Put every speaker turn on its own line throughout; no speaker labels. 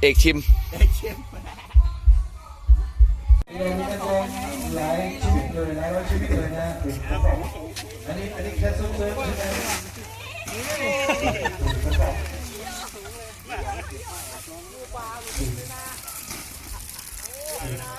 เอกชิม
หลายชีวิตเลยหลายร้อยชีวิตเลยนะอันนี้แค่ซุ้มเลยใช่ไหม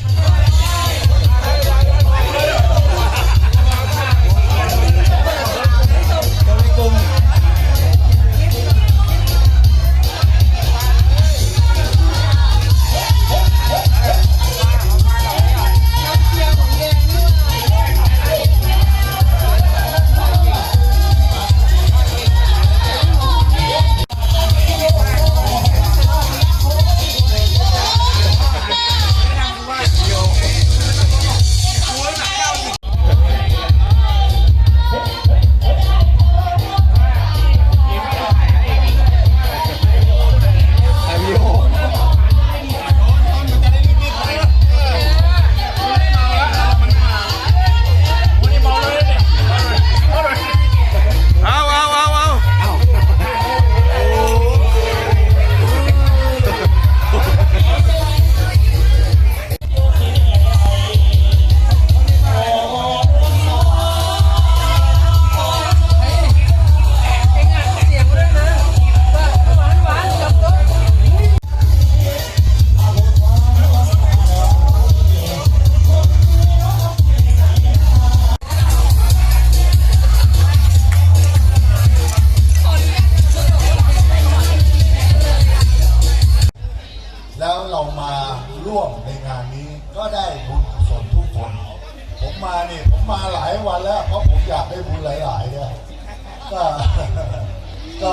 แล้วเรามาร่วมในงานนี้ก็ได้บุญกุศลทุกคนผมมาหลายวันแล้วเพราะผมอยากได้บุญหลายๆเนี่ยก็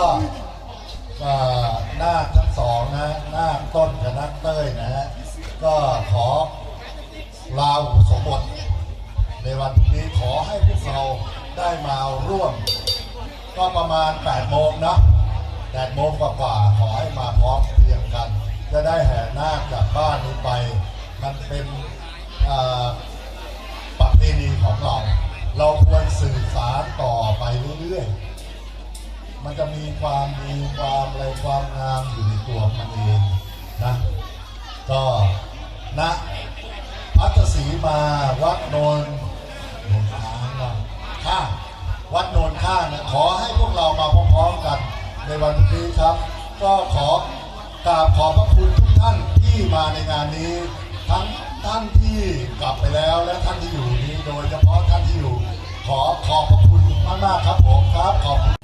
นาคทั้งสองนะนาคต้นกับนาคเต้ยนะฮะก็ขอลาอุปสมบทในวันนี้ขอให้พวกเราได้มาร่วมก็ประมาณ8 โมงนะ8 โมงกว่าขอให้มาพร้อมเพรียงกันจะได้แห่นาคจากบ้านนี้ไปมันเป็นประเพณีของเราควรสื่อสารต่อไปเรื่อยๆมันจะมีความดีความอะไรความงามอยู่ในตัวมันเองนะก็ณพัทศรีมาวัดโนนค้างนะข้างวัดโนนข้างนะขอให้พวกเรามาพร้อมๆกันในวันนี้ครับก็ขอกราบขอบพระคุณทุกท่านที่มาในงานนี้ทั้งท่านที่กลับไปแล้วและท่านที่อยู่นี้โดยเฉพาะท่านที่อยู่ขอบพระคุณมากๆครับผมครับขอบคุณ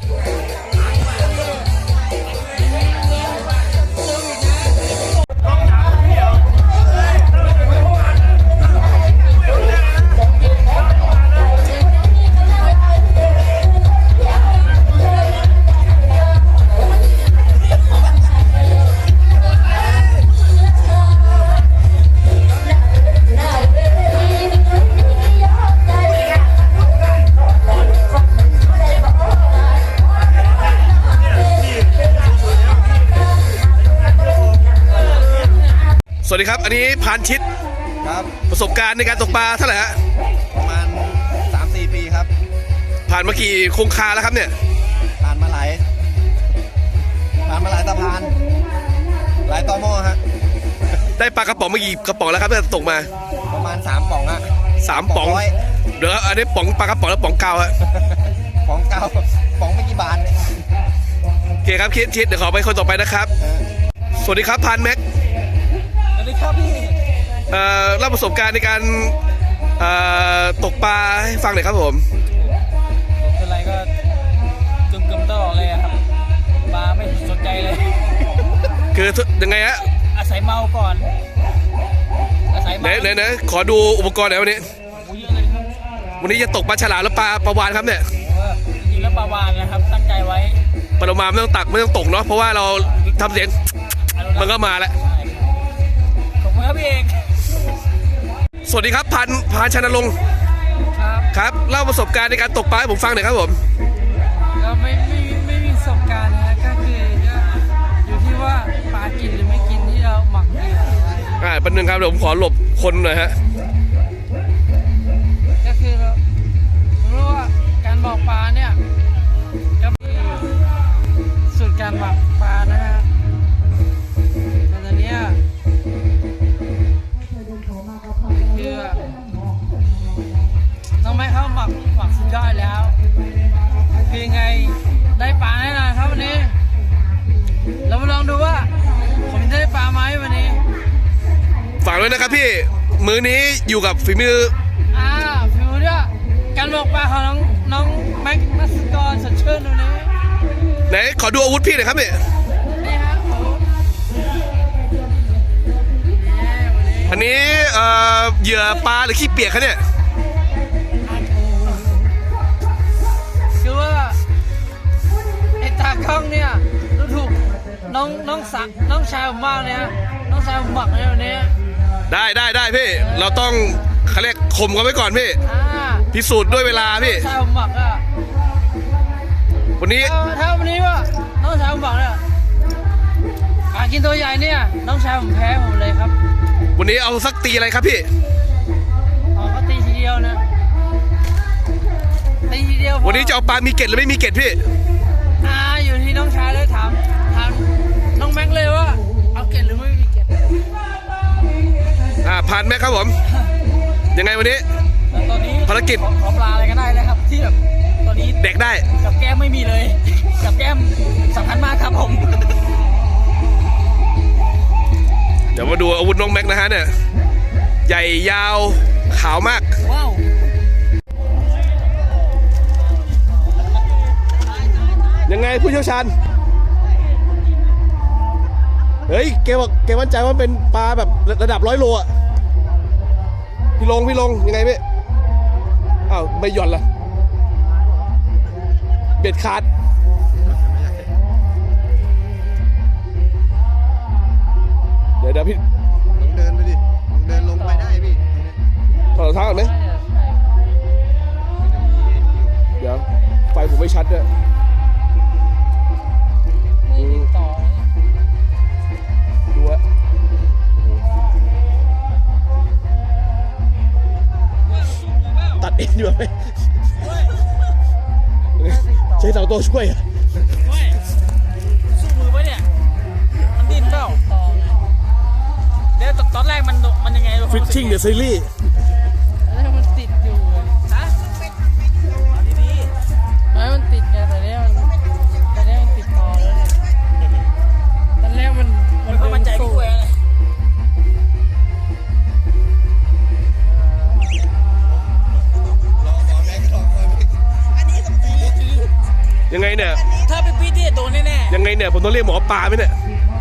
สวัสดีครับอันนี้พานชิด
ครับ
ประสบการณ์ในการตกปลาเท่าไหร่ฮะ
ประมาณ 3-4 ปีครับ
ผ่านมากี่โครงคาแล้วครับเนี่ย
ผ่านมาหลายสะพานหลายตอหม้อฮะ
ได้ปลากระป๋องมากี่กระป๋องแล้วครับที่ตกมา
ประมาณ3 ป๋องฮะ
3 ป๋องเดี๋ยวอันนี้ป๋องปลากระป๋องแล้วป๋องเกาฮะ
ป๋องเกาป๋องไม่กี่บาท
โอเคครับชิดเดี๋ยวขอไปคนต่อไปนะครับสวัสดีครับพานแม็ก
สวัสดีครับพี่
เล่าประสบการณ์ในการตกปลาให้ฟังหน่อยครับผม
เป็นไรก็จุ่มตลอดเลยครับปลาไม่สนใจเลย
คือยังไงฮะ
อาศัยเมาก่อนอาศัยเมา
ไหนขอดูอุปกรณ์หน่อยวันนี้วันนี้จะตกปลาฉลามแล้วปลาวาฬครับเนี่ย
จริงแล้วปลาวาฬนะครับตั้งใจไว้
ปลามาไม่ต้องตักไม่ต้องตกเนาะเพราะว่าเราทำเสียงมันก็มาแล้ว
ขอบคุณครับพี่เอก
สวัสดีครับพันชนรงค์ครับเล่าประสบการณ์ในการตกปลาให้ผมฟังหน่อยครับผม
ก็ไม่มีประสบการณ์นะก็คืออยู่ที่ว่าปลากินหรือไม่กินที่เราหมักเหยื่อ
แป๊บนึงครับเดี๋ยวผมขอหลบคนหน่อยฮะ
ก็คือรู้ว่าการบอกปลาเนี่ยก็มีสูตรการหมักปลานะฮะ
เลยนะครับพี่มื้อนี้อยู่กับฝีมือ
ฟิวเนี่ยการบอกปลาของน้องแม็กนัสกรสดชื่นตรงนี้
ไหนขอดูอาวุธพี่หน่อยครับพี่
นี่ฮะโอ้โหวันนี้
อันนี้เหยื่อปลาหรือขี้เปียกครับเนี่ย
คือว่าไอ้ตากล้องเนี่ยดูถูกน้องชายผมมากเลยฮะน้องชายผมหมักในวันนี้
ได้พี่เราต้องเขาเรียกข่มกันไว้ก่อนพี่
อ่า
พิสูจน์ด้วยเวลาพี่
น้องชายผมหมักอะ
วันนี้
ถ้าวันนี้ว่าน้องชายผมหมักเนี่ยกินตัวใหญ่เนี่ยน้องชายผมแพ้ผมเลยครับ
วันนี้เอาสักตีอะไรครับพี่
เขาตีทีเดียวนะตีทีเดียวพอ
วันนี้จะเอาปลามีเกล็ดหรือไม่มีเกล็ดพี่
อยู่ที่น้องชายเลยถามน้องแม็กเลยว่าเอาเกล็ดหรือไม่มีเกล็ด
ผ่านไหมครับผมยังไงวันนี้
แล้วตอนนี้
ภารกิจ
ขอปลาอะไรก็ได้นะครับที่แบบตอนนี้
เด็กได้
กับแก้มไม่มีเลย กับแก้มสำคัญมากครับผม
เดี๋ยวมาดูอาวุธน้องแม็กนะฮะเนี่ยใหญ่ยาวขาวมาก
ว้าว
ยังไงผู้เชี่ยวชาญเฮ้ยแกบอกแกมั่นใจว่าเป็นปลาแบบระดับ100 โลอ่ะพี่ลงยังไงพี่อ้าวไม่หย่อนละเบ็ดขาดเดี๋ยวพี่
ลงเดินไปดิลงเดินลงไปได้พี่
ถอดรองเท้าก่อนไหมเดี๋ยวไฟผมไม่ชัดด้วย
ไม่ติดต่อเลย
ดูอะตัดเองดีกว่าไหมใช้เสาโตช่วยอะ
สู้มือปะเนี่ยมันดิ้นเปล่า
ต่อไง
เดี๋ยวตอนแรกมันยังไง
ฟิชชิ่งเดอะซีรีส์
แล้วมันติดอยู่ไง
ฮะเอาดี
ไม่มันติดไงแต่เนี้ยมันติดต่อแล้วเนี่ยตอนแรกมัน
ๆมันก็มั่นใจพี่กล้วยอะไร
ยังไงเนี่ย
ถ้าเป็นพี่ที่โดนแน่ๆ
ยังไงเนี่ยผมต้องเรียกหมอปลาไหมเนี่ย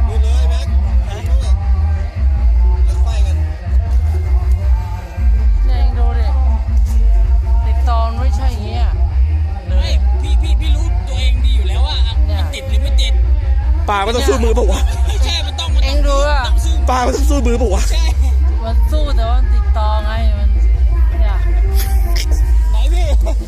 เนี่ยเองดูดิติดต่อมันไม่ใช่อย่างเงี้ย
ไม่พี่รู้ตัวเองดีอยู่แล้วว่ามันติดหรือไม่ติด
ปลามันต้องสู้มือเปล่าวะ
ไม่ใช่มันต้อง
เองดูอ่ะ
ต้องสู้
ปลามันต้องสู้มือเปล่าวะ
ใช่
มันสู้แต่ว่ามันติดต่อไงมันเนี่ย
ไหนพี่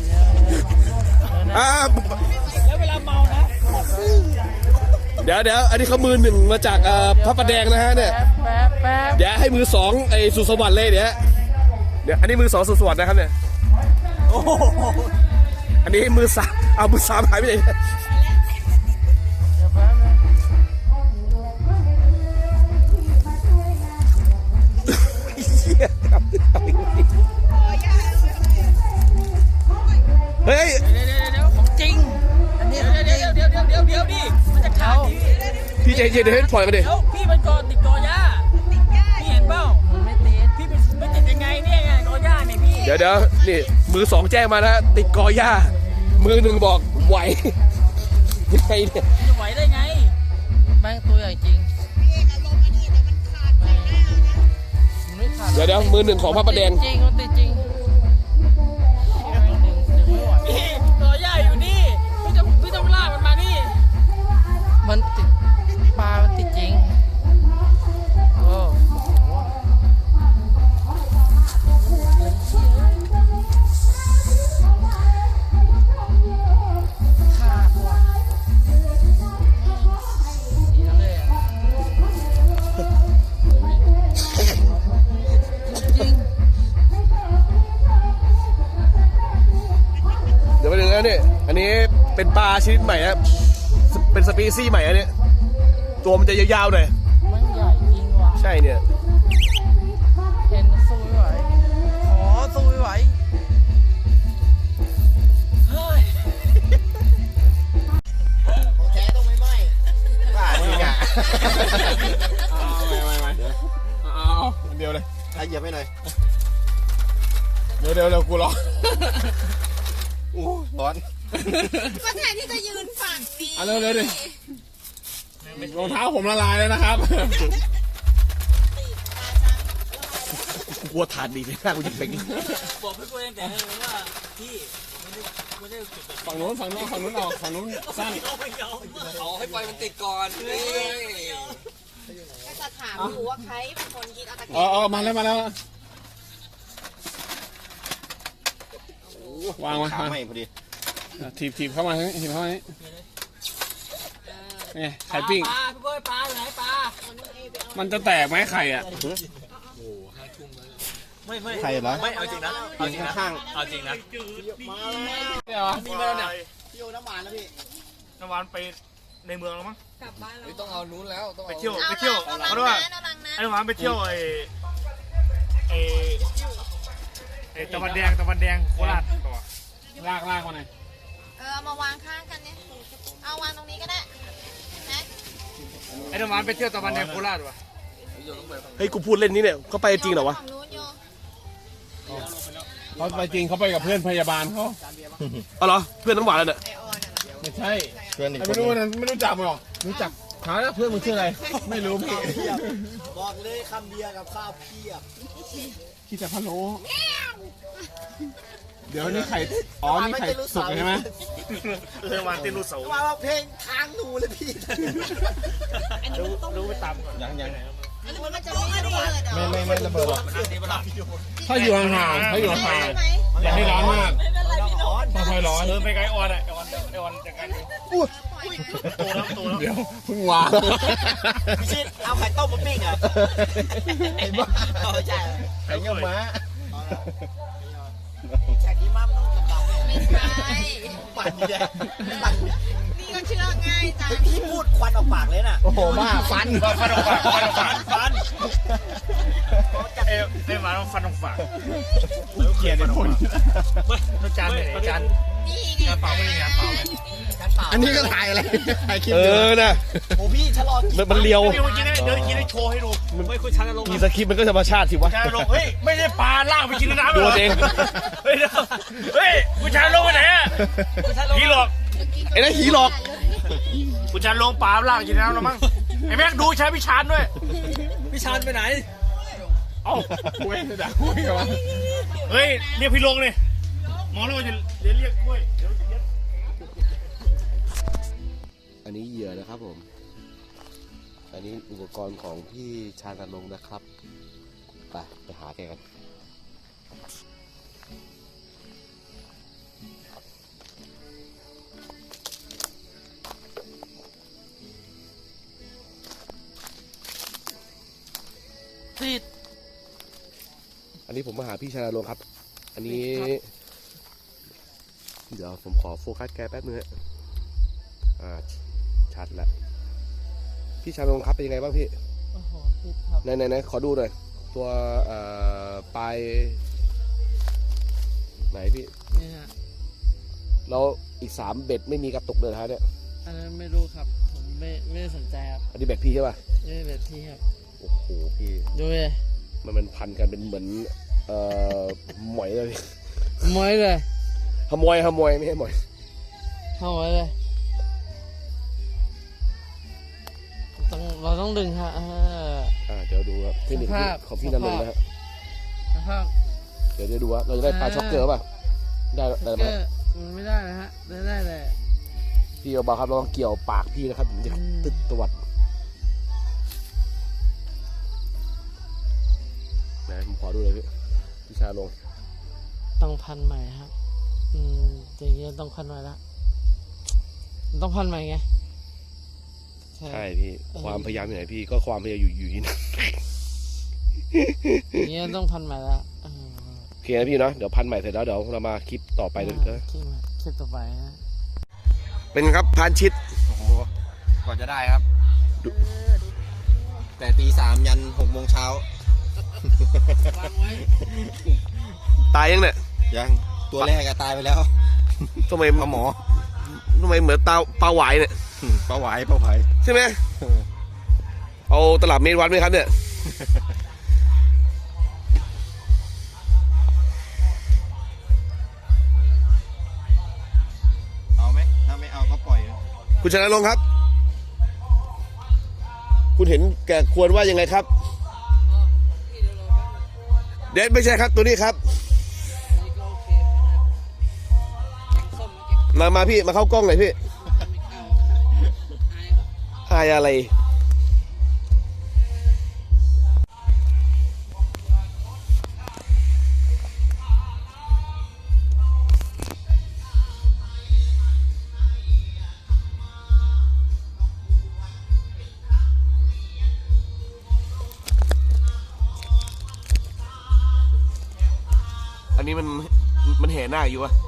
อ่า
แล้วเวลาเมานะ
เดี๋ยวอันนี้เขามือหนึ่งมาจากพระประแดงนะฮะเนี่ย
แป๊บ
เดี๋ยวให้มือสองไอ้สุสวัสดิ์เลยเดี๋ยวอันนี้มือสองสุสวัสดิ์นะครับเนี่ย
โอ้โห
อันนี้มือสามเอามือสามหายไปไหน
เดี๋ยวแป๊บนึง
เหี้ยเฮ้ย
เดี๋ยวของจริงอันนี้เดี๋ยวดิมันจะขาดดิ
พี่ใจเย็นเดี๋ยวให้ปล่อยมาดิ
เดี๋ยวพี่มันก่อนติดกอหญ้าพี่เห็นเปล่า
มันไม่ติด
พี่ไม่ติดยังไงเนี่ยไงกอหญ้าเนี่ยพี่
เดี๋ยวนี่มือสองแจ้งมานะติดกอหญ้ามือหนึ่งบอกไหวยังไงเนี่ย
จะไหวได้ไง
แม่งตัวใหญ่จริงมันไม่ขาด
เดี๋ยวมือหนึ่งของพระประแดง
จริงมันติดจริงแม่งดึงไม่ไหว
พี่กอหญ้าอยู่นี่พี่ต้องลากมันมานี่
มันติดปลามันติดจริงโอ้โหขาดว่ะเสียเลยอะจริง
เดี๋ยวไปดูนะเนี่ยอันนี้เป็นปลาชนิดใหม่ครับเป็นสปีซี่ใหม่อันนี้ตัวมันจะยาวๆหน่อย
มันใหญ่จริงว่ะ
ใช่เนี่ย
เห็นสู้ไม่ไหวขอสู้ไม่ไหว
เฮ้ย
ของแท้ต้องไม่ไหม้
บ้าจริงอ่ะ
เอาเอาอันเดียวเลย
เหยียบให้หน่อย
เดี๋ยวกูรอ
อู้ร้อน
ก็แทนที่จะยืนฝั่งนี้
เอาเร็วดิรองเท้าผมละลายแล้วนะครับ
กลัวถาดดีเลยหน้ากูจะเป็น
บอกพี่กล้วยตั้งแต่เลยว่าพี่ไม่ได้จุดแบบ
ฝั่งนู้นออกฝั่งนู้นสั้น
เอาให้ไฟมันติดก่อนเฮ้ย
ก็จะถามอยู่ว่าใครเป็นคนคิดเอาตะเกียบ
มาแล้ววาง
ขาไม่พอดี
ถีบเข้ามาถีบเข้ามานี่ไข่ปิ้ง
ปลาพี่กล้วยปลาอยู่ไหนปลา
มันจะแตกไหมไข่อ่ะ
ไม่
ใครเหรอ
ไม่เอาจริงนะเอาจริงนะ
ข้าง
เอาจริงนะ
เนี่ยวะ
มีมาแล้วเนี่ย
น้ำหวานไปในเมืองแล้วมั้ง
กลับบ้านแล้ว
ต้องเอานู้นแล้วต้อง
ไป
เอา
เที่ยว
เอา
ไปเที่ยว
เอา
เขาเรียกว่า
ลังนะ
ไอ้น้ำหวานไปเที่ยวไอ้ตะวันแดงโคราชต่อ
ลากมาหน่อย
เอามาวางข้างกันเนี่ยเอาวางตรงนี้ก็ได้นะ
ไอ้น้ำหวานไปเที่ยวตะวันแดงโคราชวะ
เฮ้ยกูพูดเล่นนี่เนี่ยเขาไปจริงเหรอวะ
ฝั่งนู้นโย
เขาไปจริงเขาไปกับเพื่อนพยาบาลเขา
เอาเหรอเพื่อนน้ำหวานแล้วเนี่ย
ไอออนอะ
ไม่ใช่
เพื่อนอีกค
ไม่
น
รู้นะไม่รู้จักมั้งหรอรู้จักถามแล้วเพื่อนมึงชื่ออะไรไม่รู้พี่
บอกเลยคำเดียวกับข้าวเพียบ
ขี้แต่พะโล้เดี๋ยวนี่ไข่นี่ไข่สุกใช่ไหม
น้ำหวานเต้นรูเสามาเพลงค้างหนูเลยพี่รู้ไปตามก่อนยัง
อันนี้มันจะไม่ระเบิดเหรอ
ไม่ระเบิดหรอก
ถ้าอยู่ห่างๆอย่าให้ร้อนมากค่อยๆร้อน
ไปไกลออนไอออนจากกันโตแล้ว
เดี๋ยวเพิ่งวาง
พี่ชิดเอาไข่ต้มมาปิ้งอ่ะไอ้บ้าเอาใช่
ไข่เงี้ยม้า
แขกที่มั่มต้องดำๆเนี่ย
ไม่ใช่
ปั่นแย่ปั่น
นี่ก็เชื่อง่ายจัง
พี่พูดควันออกปากเลยน่ะ
โอ้โหบ้าฟัน
ฟันออกปากฟันเอ้มาฟันออกปาก
เกลียดไอ้คน
ไม่จานไหนจาน
นี่ไง
เปล่าไม่มีงานเปล่าจานเปล่า
อันนี้ก็ถ่ายอะไรถ่ายคลิปนะ
โอ้พี่ชะลอ
มันเลียว
เดี๋ยวกินได้โชว์ให้ดูไม่คุยชันลง
มีสคริปต์มันก็ธรรมชาติสิวะ
ชันลงเฮ้ยไม่ได้ปลาล่างไปกินน้ำ
ตัวเอง
เฮ้ยผู้ชายลงไปไหนอ่ะพี่หลอก
ไอ้นั่นหีหลอก
ผู้ชายลงปลาล่างกินน้ำแล้วมั้งไอ้แม็กดูใช้พี่ชานด้วย
พี่ชานไปไหน
เอ้า
คุยจะด่าคุยกันวะ
เฮ้ยเรียกพี่ลงเลยหมอรู้ว่าจะเรียกกล้วย
อันนี้เหยื่อนะครับผม อันนี้อุปกรณ์ของพี่ชาญลงนะครับ ไปหาแกกัน
ติด
อันนี้ผมมาหาพี่ชาญลงครับ อันนี้ เดี๋ยวผมขอโฟกัสแกแป๊บนึงฮะชัดแล้ว พี่ชาญลงครับเป็นยังไงบ้างพี่
โอ้โหติดครับ
ไหนขอดูหน่อย ตัวปลายไหนพี่
นี่ฮะ
แล้วอีก3เบ็ดไม่มีกระตุกเลยนะฮะเนี่ย
อันนั้นไม่รู้ครับผมไม่ได้สนใจครับ
อันนี้เบ็ดพี่ใช่ป่ะ
นี่แบบที่ครับ
โอ้โหพี่
ดูเลย
มันพันกันเป็นเหมือนหมอยเลย
มวยเลย
ขโมยไม่ใช่หมอย
เข้าไว้เลยเราต้องดึงฮะ
เดี๋ยวดูครับเทคนิค
สภาพ
ของพี่นันลงค์นะฮะ
นะครับ
เดี๋ยวดูว่าเราจะได้ปลาช็อกเกอร์ป่ะได้ไหม
ก็มันไม่ได้นะฮะได้เลย
พี่เบาๆครับเราต้องเกี่ยวปากพี่นะครับถึงจะตึ๊ดตวัดไหนผมขอดูเลยพี่ชาลง
ต้องพันใหม่ครับอย่างเงี้ยต้องพันใหม่ละต้องพันใหม่ไง
ใช่พี่ความพยายามอยู่ไหนพี่ก็ความพยายามอยู่ที่นั่น
อย่างเงี้ยต้องพันใหม่ละ
โอเคนะพี่เนาะเดี๋ยวพันใหม่เสร็จแล้วเดี๋ยวเรามาคลิปต่อไปเลยนะ
คลิปต่อไปนะ
เป็นครับพานชิด
โอ้โหก่อนจะได้ครับ แต่ตี 3 ยัน 6 โมงเช้า
ตายยังเนี่ย
ยังตัวแรกอะตายไปแล้ว
ทำไม
ปลาหมอ
ทำไมเหมือนปลาหวายเนี่ย
ปลาหวายปลาไหว
ใช่ไหมเอาตลับเมตรวัดไหมครับเนี่ยคุณชนะลงค์ครับ คุณเห็นแก่ควรว่ายังไงครับ เด็ดไม่ใช่ครับตัวนี้ครับมาพี่มาเข้ากล้องหน่อยพี่อายอะไรอันนี้มันแห่หน้าอยู่วะ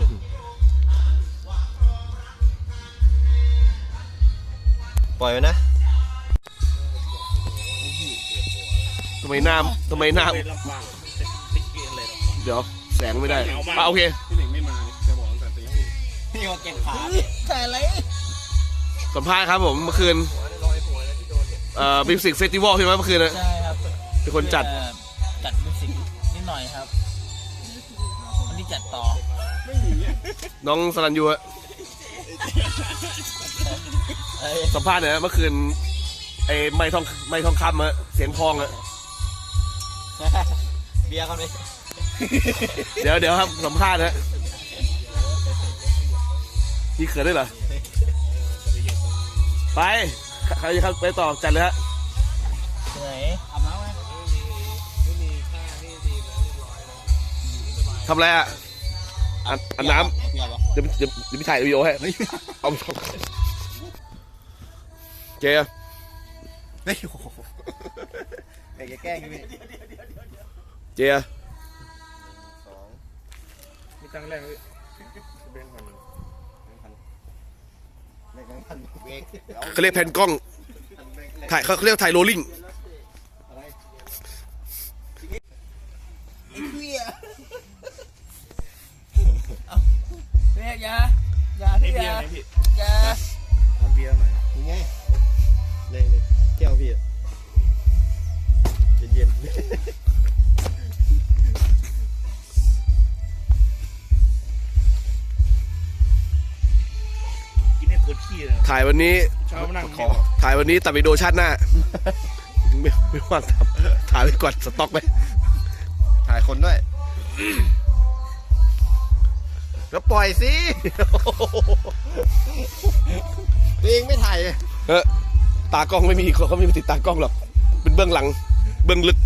ปล่อยไว้นะทำไมหน้าเดี๋ยวแสงไม่ได้โอเค
พี่เขาเก็บขาแต่อะไร
สัมภาษณ์ครับผมเมื่อคืนมิวสิกเฟสติวัลใช่ไหมเมื่อคืนนะ
ใช่ครับ
เป็นคนจัด
จัดมิวสิกนิดหน่อยครับวันนี้จัดต่อ
น้องสรัญยูอะสัมภาษณ์เนี่ยเมื่อคืนไอ้ไม้ทองคำอะเสียงพองอะ
เบียร์เขาดิ
เดี๋ยวครับสัมภาษณ์นะนี่เขินด้วยเหรอไปใครจะไปต่อจัดเลยฮะ
ไหนอาบน้ำไหม
ทำอะไรอ่ะอันน้ำเดี๋ยวพี่ถ่ายวิดีโอให้เอาเจ๊
เฮ้ยโอ้โหไอ้แกล้งพี่
เจ๊
มีตังค์แรงพี่เบนพัน
เขาเรียกแผ่นกล้องถ่ายเขาเรียกถ่ายโรลลิ่ง
เบียร์อย่าที่อย่า
ทำเบียร์หน่อย
ยังไงเลยแก้วพี่เย็น
กินให้ปวดขี้เลย
ถ่ายวันนี้
เช้ามานั่งขอ
ถ่ายวันนี้ตัดวิดีโอชาติหน้าไม่ว่างทำถ่ายไปก่อนสต็อกไป
ถ่ายคนด้วยแล้วปล่อยสิตัวเองไม่ถ่าย
ตากล้องไม่มีเขาไม่มีติดตากล้องหรอกเป็นเบื้องหลังเบื้องลึก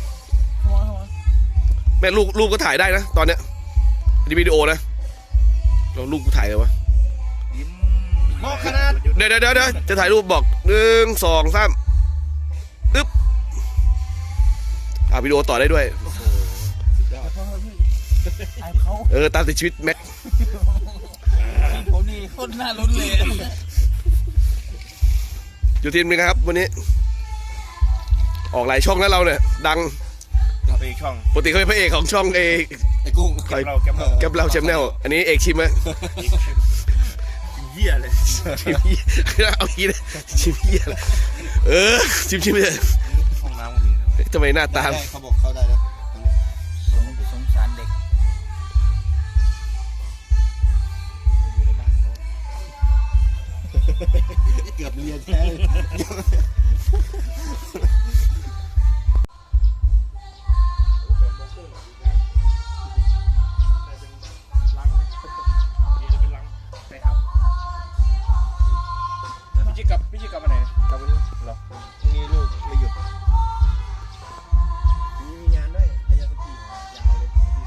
แม่ลูกก็ถ่ายได้นะตอนเนี้ยนี่วิดีโอนะเราลูกกูถ่ายเลยวะ
มองขนาด
เดี๋ยวจะถ่ายรูปบอก1 2 3อึ๊บวิดีโอต่อได้ด้วย
ไอ้เขา
ตามติดชีวิตแม็ก
ผมนี่โคตรน่าลุ้นเลย
อยู่ทีมนึงครับวันนี้ ออกหลายช่องแล้วเราเนี่ยดัง
ไปอีกช่อง
ปกติเขาเป็นพระเอกของช่อง
ไอ้กุ้ง
แกมเราแชมแนลอันนี้เอกชิมไหม
เหี้ยเลย
ชิมเหี้ยเอางี้เลยชิมเหี้ยเลยชิมเลย
ห้องน้ำก็มีนะ
ทำไมหน้าตา
เขาบอกเข้าได้แล้ว
สงสารเด็ก
เกือบเรียนแท้
พี่จิกลับมาไหนกลับวันนี้เหรอ
พรุ่งนี้ลูกไม่หยุดมีงานด้วยพยาสกียาวเลย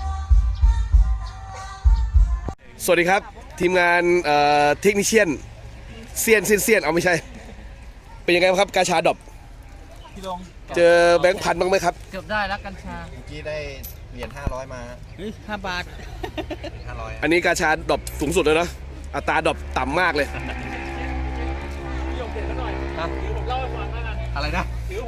สวัสดีครับทีมงานเทคนิเชียนเซียนเอาไม่ใช่เป็นยังไงบ้างครับกาชาดรอป
พี่ลง
เจอแบงค์พันบ้างไหมครับ
เกือบได้แล้วกัญชา
เมื่อกี้ได้เหรียญ500มา
เฮ้ย5 บาท
500
อันนี้กาชาดรอปสูงสุดเลยเนาะอัตราดรอปต่ำมากเลย
อะไรนะ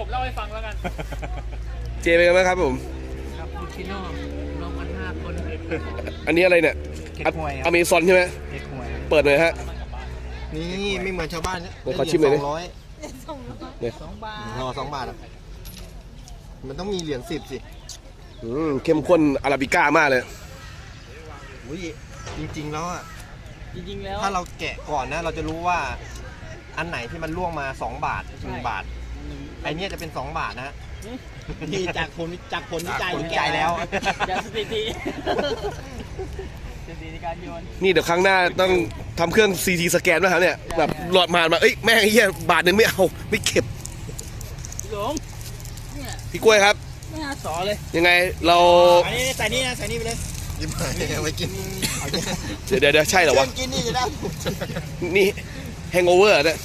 เจเป็นไงบ้างครับผม
ครับลูชิโน่ลงกัน5 คน
อันนี้อะไรเนี่ย
เค้กหวยครับ
อเมซอนใช่ไหม
เค้กหวย
เปิดหน่อยฮะ
นี่ไม่เหมือนชาวบ้านเนี่ย
เดี๋ยวขอชิมหน่อยดิ
2 บาท
รอ2 บาทอ่ะมันต้องมีเหรียญ10สิ
เข้มข้นอาราบิก้ามากเลย
อุ้ยจริงๆแล้วอ่ะ
จริงๆแล้ว
ถ้าเราแกะก่อนนะ เราจะรู้ว่าอันไหนที่มันล่วงมา2 บาท1 บาทไอเนี้ยจะเป็น2 บาทนะฮะ
นี่จากผลวิจัย
ผลวิจัยแล้ว
จากสถิติสถิติในการโยน
นี่เดี๋ยวครั้งหน้าต้องทำเครื่อง CT สแกนด้วยครับเนี่ยแบบหลอดมาเอ้ยแม่งไอ้เหี้ยบาทหนึ่งไม่เอาไม่เก็บ
พี่หลงเนี่ย
พี่กล้วยครับ
ไม่น่าสอเลย
ยังไงเรา
อันนี้ใส่นี่นะใส่นี่ไปเลย
ยิ้มหายไว้กิน
เดี๋ยวใช่เหรอวะ
กินนี่จะได้
นี่แฮงโอเวอร์เนี่ย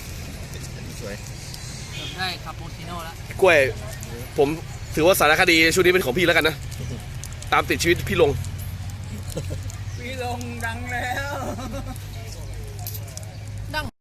ได้คาปูชิโน่แล้ว
พี่กล้วยผมถือว่าสารคดีชุดนี้เป็นของพี่แล้วกันนะตามติดชีวิตพี่ลง
พี่หลงดังแล้ว